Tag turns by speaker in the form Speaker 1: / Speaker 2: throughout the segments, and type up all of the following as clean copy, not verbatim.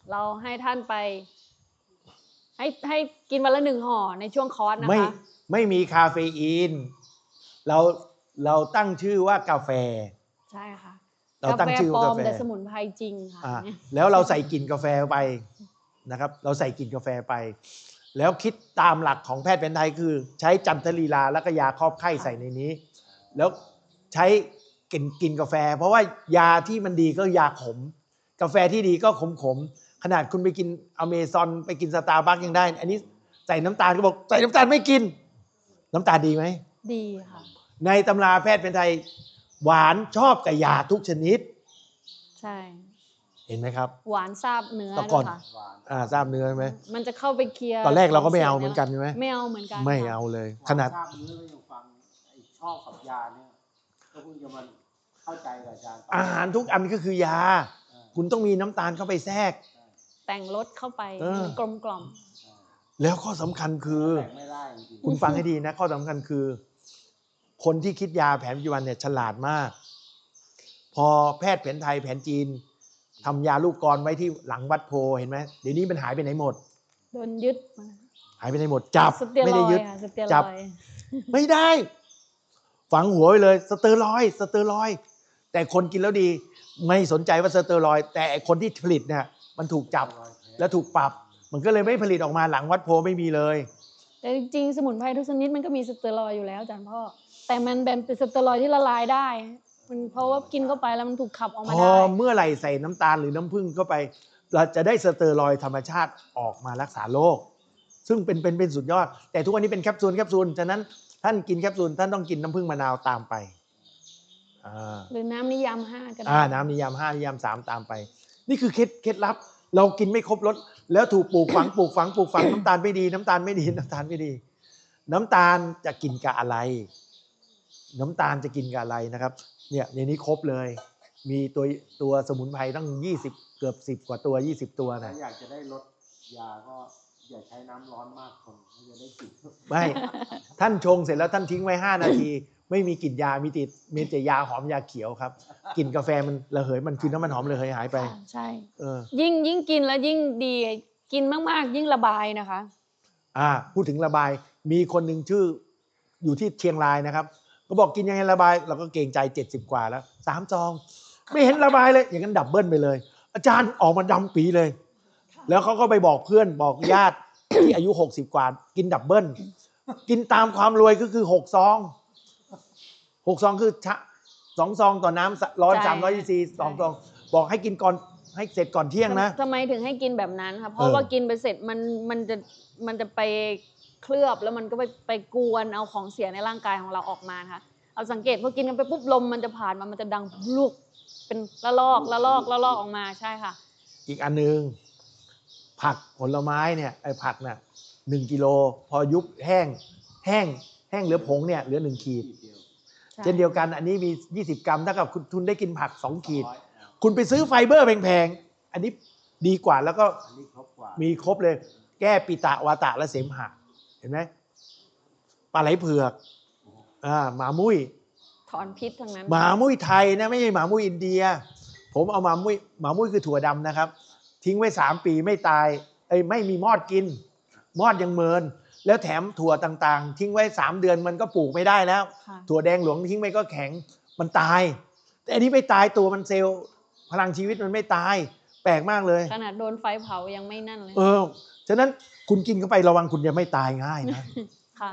Speaker 1: เราให้ท่านไปให้กินวันละ1 ห่อในช่วงคอร์สนะคะ
Speaker 2: ไม่มีคาเฟอีนเราเราตั้งชื่อว่ากาแฟ
Speaker 1: ใช่ค่ะ
Speaker 2: เราตั้งชื่อว่ากาแฟ
Speaker 1: แต่สมุนไพรจริงค่ะ
Speaker 2: แล้วเราใส่กลิ่นกาแฟไปนะครับเราใส่กลิ่นกาแฟไปแล้วคิดตามหลักของแพทย์แผนไทยคือใช้จันทลีลาแล้วก็ยาครอบไข้ใส่ในนี้แล้วใช้กินกาแฟเพราะว่ายาที่มันดีก็ยาขมกาแฟที่ดีก็ขมขนาดคุณไปกินอเมซอนไปกินสตาร์บัคยังได้อันนี้ใส่น้ำตาลก็บอกใส่น้ำตาลไม่กินน้ำตาลดีไหม
Speaker 1: ดีค่ะ
Speaker 2: ในตำราแพทย์แผนไทยหวานชอบกับยาทุกชนิด
Speaker 1: ใช่
Speaker 2: เห็นไหมครับ
Speaker 1: หวานซาบเนื้อ
Speaker 2: ตะก่อน
Speaker 1: ค่ะ
Speaker 2: ทราบเนื้อใช่ไหม
Speaker 1: มันจะเข้าไปเคลียร์
Speaker 2: ตอนแรกเราก็ไม่เอาเหมือนกันใช่ไหม
Speaker 1: ไม่เอาเหมือนกัน
Speaker 2: ไม่เอาเลยขนาด
Speaker 3: ทราบเนื้อก็ยังฟังชอบกับยาเนี่ยก็เพิ่งจะมันเข้าใจกับอาจารย์
Speaker 2: อาหารทุกอันก็คือยาคุณต้องมีน้ำตาลเข้าไปแทรก
Speaker 1: แต่งรสเข้าไปกลมกล่อม
Speaker 2: แล้วข้อสำคัญคือคุณฟังให้ดีนะข้อสำคัญคือคนที่คิดยาแผนปัจจุบันเนี่ยฉลาดมากพอแพทย์แผนไทยแผนจีนทำยาลูกกรไว้ที่หลังวัดโพเห็นไหมเดี๋ยวนี้มันหายไปไหนหมด
Speaker 1: โดนยึด
Speaker 2: หายไปไหนหมดจับไม่ได้ยึด
Speaker 1: จับ
Speaker 2: ไม่ได้ฝังหัวไปเลยสเตียรอยด์แต่คนกินแล้วดีไม่สนใจว่าสเตียรอยด์แต่คนที่ผลิตเนี่ยมันถูกจับและถูกปรับมันก็เลยไม่ผลิตออกมาหลังวัดโพไม่มีเลย
Speaker 1: แต่จริงๆสมุนไพรทุกชนิดมันก็มีสเตียรอยด์อยู่แล้วอาจารย์พ่อแต่มันเป็นสเตียรอยด์ที่ละลายได้มันเพราะว่ากินเข้าไปแล้วมันถูกขับออกมาได้
Speaker 2: เมื่อไหร่ใส่น้ำตาลหรือน้ำผึ้งเข้าไปเราจะได้สเตียรอยด์ธรรมชาติออกมารักษาโรคซึ่งเป็นสุดยอดแต่ทุกวันนี้เป็นแคปซูลฉะนั้นท่านกินแคปซูลท่านต้องกินน้ำผึ้งมะนาวตามไป
Speaker 1: หรือน้ำนิยาม5ก็ได้
Speaker 2: น้ำนิยาม5นิยาม3ตามไปนี่คือเคล็ดลับเรากินไม่ครบรสแล้วถูกปลูกฝังน้ำตาลไม่ดีน้ำตาลไม่ดีน้ำตาลจะกินกับอะไรน้ำตาลจะกินกับอะไรนะครับเนี่ยในนี้ครบเลยมีตัวสมุนไพรตั้ง20เกือบ10กว่าตัว20ตัวนะ
Speaker 3: อยากจะได้ลดยาก็อย่าใช้น้ำร้อนมากคนจะได้กลิ่น
Speaker 2: ไม่ท่านชงเสร็จแล้วท่านทิ้งไว้5 นาทีไม่มีกลิ่นยามีแต่ยาหอมยาเขียวครับกลิ่นกาแฟมันระเหยมันคือน้ำมันหอมระเหยหายไป
Speaker 1: ใช่ยิ่งกินแล้วยิ่งดีกินมากๆยิ่งระบายนะคะ
Speaker 2: พูดถึงระบายมีคนหนึ่งชื่ออยู่ที่เชียงรายนะครับก็บอกกินยังไงระบายเราก็เกรงใจ70กว่าแล้ว3 ซองไม่เห็นระบายเลยอย่างนั้นดับเบิลไปเลยอาจารย์ออกมาดำปีเลยแล้วเขาก็ไปบอกเพื่อนบอกญาติที่อายุ60กว่ากินดับเบิลกินตามความรวยก็คือ6 ซองคือ2 ซองต่อน้ำร้อน300 cc 2 ซองบอกให้กินก่อนให้เสร็จก่อนเที่ยงนะ
Speaker 1: ทำไมถึงให้กินแบบนั้นคะเพราะว่ากินไปเสร็จมันจะไปเคลือบแล้วมันก็ไปกวนเอาของเสียในร่างกายของเราออกมาค่ะเอาสังเกตพอกินกันไปปุ๊บลมมันจะผ่านมันจะดังลุกเป็นละลอกออกมาใช่ค่ะ
Speaker 2: อีกอันนึงผักผลไม้เนี่ยไอ้ผักเนี่ย1 กิโลพอยุบแห้งเหลือผงเนี่ยเหลือ1 ขีดเช่นเดียวกันอันนี้มี20 กรัมถ้ากับคุณได้กินผัก2 ขีดคุณไปซื้อไฟเบอร์แพงๆอันนี้ดีกว่าแล้วก็มีครบเลยแก้ปิตะวาตะและเสมหะเห็นไหมปลาไหลเผือกหมามุ้ย
Speaker 1: ถอนพิษทั้งนั้น
Speaker 2: หมามุ้ยไทยนะไม่ใช่หมามุ้ยอินเดียผมเอาหมามุ้ยคือถั่วดำนะครับทิ้งไว้3 ปีไม่ตายไม่มีมอดกินมอดยังเมินแล้วแถมถั่วต่างๆทิ้งไว้3 เดือนมันก็ปลูกไม่ได้แล้วถั่วแดงหลวงทิ้งไว้ก็แข็งมันตายแต่อันนี้ไม่ตายตัวมันเซลล์พลังชีวิตมันไม่ตายแปลกมากเลย
Speaker 1: ขนาดโดนไฟเผายังไม่นั่นเลย
Speaker 2: ฉะนั้นคุณกินเข้าไประวังคุณจะไม่ตายง่ายนะ
Speaker 1: ค่ะ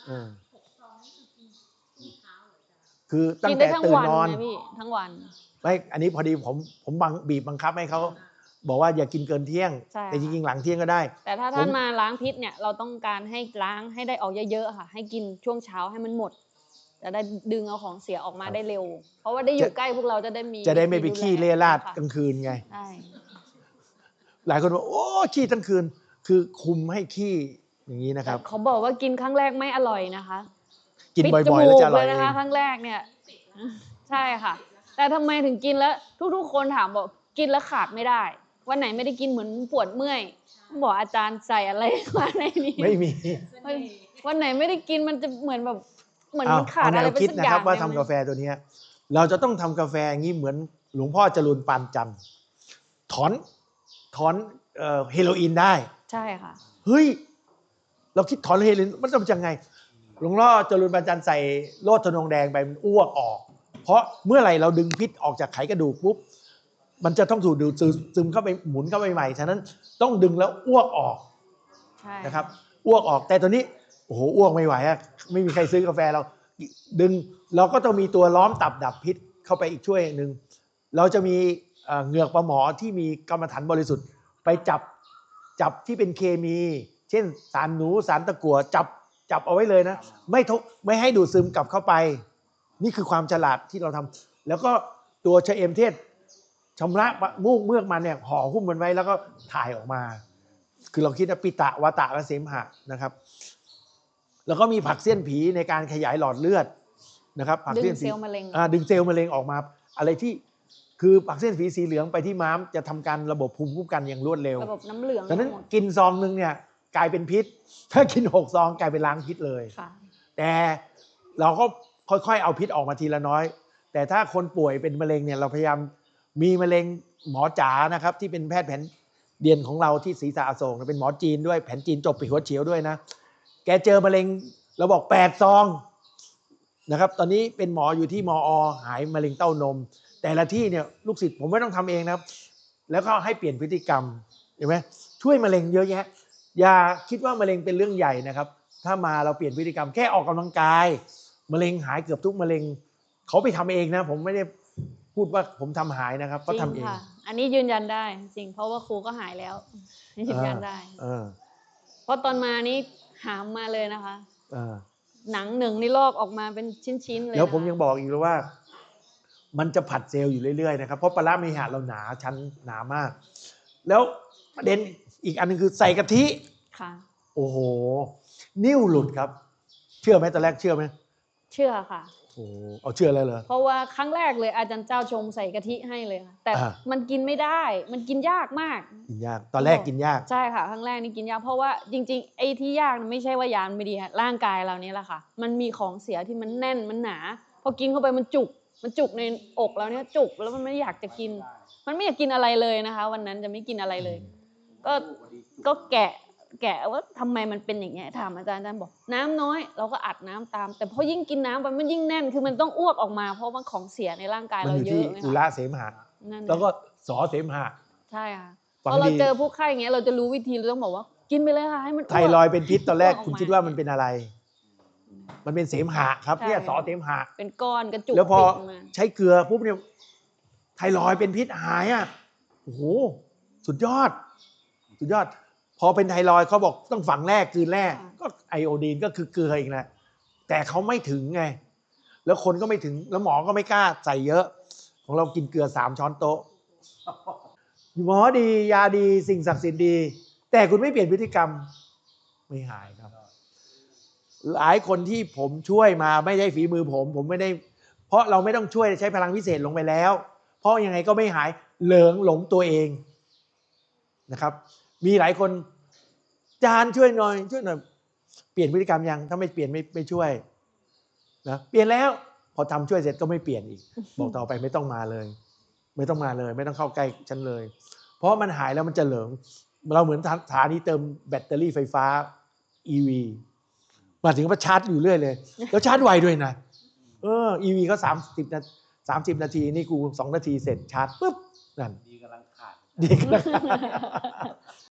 Speaker 2: คือตั้งแต่ตื่นนอน
Speaker 1: ทั้งวัน
Speaker 2: ไม่อันนี้พอดีผมบีบบังคับให้เขาบอกว่าอย่ากินเกินเที่ยงแต่จริงๆหลังเที่ยงก็ได้
Speaker 1: แต่ถ้าท่านมาล้างพิษเนี่ยเราต้องการให้ล้างให้ได้ออกเยอะๆค่ะให้กินช่วงเช้าให้มันหมดจะได้ดึงเอาของเสียออกมาได้เร็วเพราะว่าได้อยู่ใกล้พวกเราจะได้
Speaker 2: ไม่ไปขี้เล่ราดกลางคืนไง
Speaker 1: ใช่
Speaker 2: หลายคนบอกโอ้ขี้ทั้งคืนคือคุมให้ขี้อย่างนี้นะครับ
Speaker 1: เขาบอกว่ากินครั้งแรกไม่อร่อยนะคะ
Speaker 2: กินบ่อยๆแล้วจะอร่อย
Speaker 1: นะคะครั้งแรกเนี่ยใช่ค่ะแต่ทำไมถึงกินแล้วทุกๆคนถามบอกกินแล้วขาดไม่ได้วันไหนไม่ได้กินเหมือนปวดเมื่อยบอกอาจารย์ใส่อะไรมาในนี้
Speaker 2: ไม่มี
Speaker 1: วันไหนไม่ได้กินมันจะเหมือนแบบเหมือนมันขาดอะไรไปสักอย่าง
Speaker 2: นะครับว่าทำกาแฟตัวนี้เราจะต้องทำกาแฟอย่างนี้เหมือนหลวงพ่อจรูนปานจันทร์ถอนเฮโรอีนได้
Speaker 1: ใช่ค่ะ
Speaker 2: เฮ้ย เราคิดถอนเฮโรอีนมันจะเป็นยังไงหลวงพ่อจรูนบรรจันทร์ใส่โลดทนงแดงไปมันอ้วกออก เพราะเมื่อไหร่เราดึงพิษออกจากไขกระดูกปุ๊บมันจะต้องถูกดูดซึมเข้าไปหมุนเข้าไปใหม่ฉะนั้นต้องดึงแล้วอ้วกออก
Speaker 1: ใช่
Speaker 2: นะครับอ้วกออกแต่ตอนนี้โอ้โหอ้วกไม่ไหวอะไม่มีใครซื้อกาแฟเราดึงเราก็ต้องมีตัวล้อมตับดับพิษเข้าไปอีกช่วยหนึ่งเราจะมีเหงือกปลาหมอที่มีกรรมฐานบริสุทธิ์ไปจับที่เป็นเคมี เช่นสารหนูสารตะกั่วจับเอาไว้เลยนะไม่ให้ดูดซึมกลับเข้าไป นี่คือความฉลาดที่เราทำแล้วก็ตัวชะเอมเทศชำระมูกเมือกมันเนี่ยห่อหุ้มมันไว้แล้วก็ถ่ายออกมา คือเราคิดว่าปิตะวาตะและเสมหะนะครับ แล้วก็มีผักเสี้ยนผีในการขยายหลอดเลือดนะครับผัก
Speaker 1: ดึ
Speaker 2: เสี้ย
Speaker 1: ง
Speaker 2: น
Speaker 1: เซ
Speaker 2: ผี
Speaker 1: ลล์มะเร็ง
Speaker 2: ดึงเซลล์มะเร็งออกมา อะไรที่คือผักเสี้ยนผีสีเหลืองไปที่ม้ามจะทำการระบบภูมิคุ้มกันอย่างรวดเร็ว
Speaker 1: ระบบน้ำเหลือง
Speaker 2: ฉะนั้น
Speaker 1: หมด
Speaker 2: กินซองนึงเนี่ยกลายเป็นพิษ ถ้ากิน6 ซองกลายเป็นล้างพิษเลย
Speaker 1: ค่ะ
Speaker 2: แต่เราก็ค่อยๆเอาพิษออกมาทีละน้อย แต่ถ้าคนป่วยเป็นมะเร็งเนี่ยเราพยายามมีมะเร็งหมอจ๋านะครับที่เป็นแพทย์แผนเดียนของเราที่ศรีษะอโศกเป็นหมอจีนด้วยแผนจีนจบปีหัวเฉียวด้วยนะแกเจอมะเร็งเราบอก8 ซองนะครับตอนนี้เป็นหมออยู่ที่มอหายมะเร็งเต้านม แต่ละที่เนี่ยลูกศิษย์ผมไม่ต้องทำเองนะครับแล้วก็ให้เปลี่ยนพฤติกรรมเห็นไหมช่วยมะเร็งเยอะแยะอย่าคิดว่ามะเร็งเป็นเรื่องใหญ่นะครับถ้ามาเราเปลี่ยนพฤติกรรมแค่ออกกำลังกายมะเร็งหายเกือบทุกมะเร็งเขาไปทำเองนะผมไม่ได้พูดว่าผมทำหายนะครับ
Speaker 1: จ
Speaker 2: ก็
Speaker 1: ริง
Speaker 2: ทำเอง
Speaker 1: ค่ะ อันนี้ยืนยันได้จริงเพราะว่าครูก็หายแล้วยืนยันได้ เพราะตอนมานี้หามมาเลยนะคะ หนังหนึ่งนี่ลอกออกมาเป็นชิ้นๆเลย
Speaker 2: แล้วผม
Speaker 1: นะคะ
Speaker 2: ยังบอกอีกเลยว่า มันจะผัดเซลล์อยู่เรื่อยๆนะครับเพราะปลาร้าเมหะเราหนาชั้นหนามาก แล้วประเด็นอีกอันนึงคือใส่กะทิ
Speaker 1: ค่ะ
Speaker 2: โอ้โห นิ้วหลุดครับ เชื่อไหมตอนแรกเชื่อไหม
Speaker 1: เชื่อค่ะ
Speaker 2: โอ้เอาเชื่อเลยเหรอ
Speaker 1: เพราะว่าครั้งแรกเลยอาจารย์เจ้าชงใส่กะทิให้เลยค่ะแต่
Speaker 2: อ่า
Speaker 1: มันกินไม่ได้ มันกินยากมาก
Speaker 2: กินยากตอนแรกกินยาก
Speaker 1: ใช่ค่ะครั้งแรกนี่กินยากเพราะว่าจริงๆไอ้ที่ยากไม่ใช่ว่ายามันไม่ดีค่ะร่างกายเรานี่แหละค่ะ มันมีของเสียที่มันแน่นมันหนา พอกินเข้าไปมันจุกในอกเราเนี่ยจุกแล้วมันไม่อยากจะกิน มันไม่อยากกินอะไรเลยนะคะ วันนั้นจะไม่กินอะไรเลย ก็แกะว่าทำไมมันเป็นอย่างเงี้ยถามอาจารย์บอกน้ำน้อยเราก็อัดน้ำตาม แต่พอยิ่งกินน้ำไปมันยิ่งแน่นคือมันต้องอ้วกออกมาเพราะว่าของเสียในร่างกาย
Speaker 2: มัน
Speaker 1: เรา
Speaker 2: อยู่
Speaker 1: เย
Speaker 2: ที่
Speaker 1: อะไหม
Speaker 2: อุ
Speaker 1: คะ
Speaker 2: ระเสมหะ
Speaker 1: นั่น
Speaker 2: แล้วก็สอเสมหะ
Speaker 1: ใช่ค่ะ
Speaker 2: ฟัง
Speaker 1: พอเรา
Speaker 2: ดี
Speaker 1: เจอผู้ไข้อย่างเงี้ยเราจะรู้วิธีเราต้องบอกว่ากินไปเลยค่ะให้มัน
Speaker 2: ไทรอยด์เป็นพิษตอนแรก
Speaker 1: อ้วก
Speaker 2: คุณ
Speaker 1: ออกมา
Speaker 2: คิดว่ามันเป็นอะไร มันเป็นเสมหะครับ
Speaker 1: ใช่
Speaker 2: เนี่ยสอเสมหะ
Speaker 1: เป็นก้อนกระจุก
Speaker 2: แล้วพอ
Speaker 1: ติดมา
Speaker 2: ใช้เกลือปุ๊บเนี่ยไทรอยด์เป็นพิษหายอ่ะโอ้โหสุดยอด สุดยอด พอเป็นไทรอยด์เขาบอกต้องฝังแรกคืนแรกก็ไอโอดีนก็คือเกลืออีกแหละแต่เขาไม่ถึงไง แล้วคนก็ไม่ถึงแล้วหมอก็ไม่กล้าใส่เยอะ ของเรากินเกลือ3 ช้อนโต๊ะหมอดียาดีสิ่งศักดิ์สิทธิ์ดี แต่คุณไม่เปลี่ยนพฤติกรรมไม่หายครับ หลายคนที่ผมช่วยมาไม่ได้ฝีมือผมไม่ได้ เพราะเราไม่ต้องช่วยใช้พลังพิเศษลงไปแล้ว เพราะยังไงก็ไม่หายเหลิงหลงตัวเองนะครับ มีหลายคนจานช่วยหน่อยเปลี่ยนพฤติกรรมยังถ้าไม่เปลี่ยนไม่ช่วยนะเปลี่ยนแล้วพอทำช่วยเสร็จก็ไม่เปลี่ยนอีก บอกต่อไปไม่ต้องมาเลย ไม่ต้องมาเลย ไม่ต้องเข้าใกล้ฉันเลย เพราะมันหายแล้วมันจะเหลิงเราเหมือนสถานีเติมแบตเตอรี่ไฟฟ้า EV มาถึงก็ชาร์จอยู่เรื่อยเลยแล้วชาร์จไวด้วยนะEV ก็30 นาทีนี่กู2 นาทีเสร็จชาร์จปุ๊บนั่น
Speaker 3: ดีกำลังขาด
Speaker 2: ดีกำลัง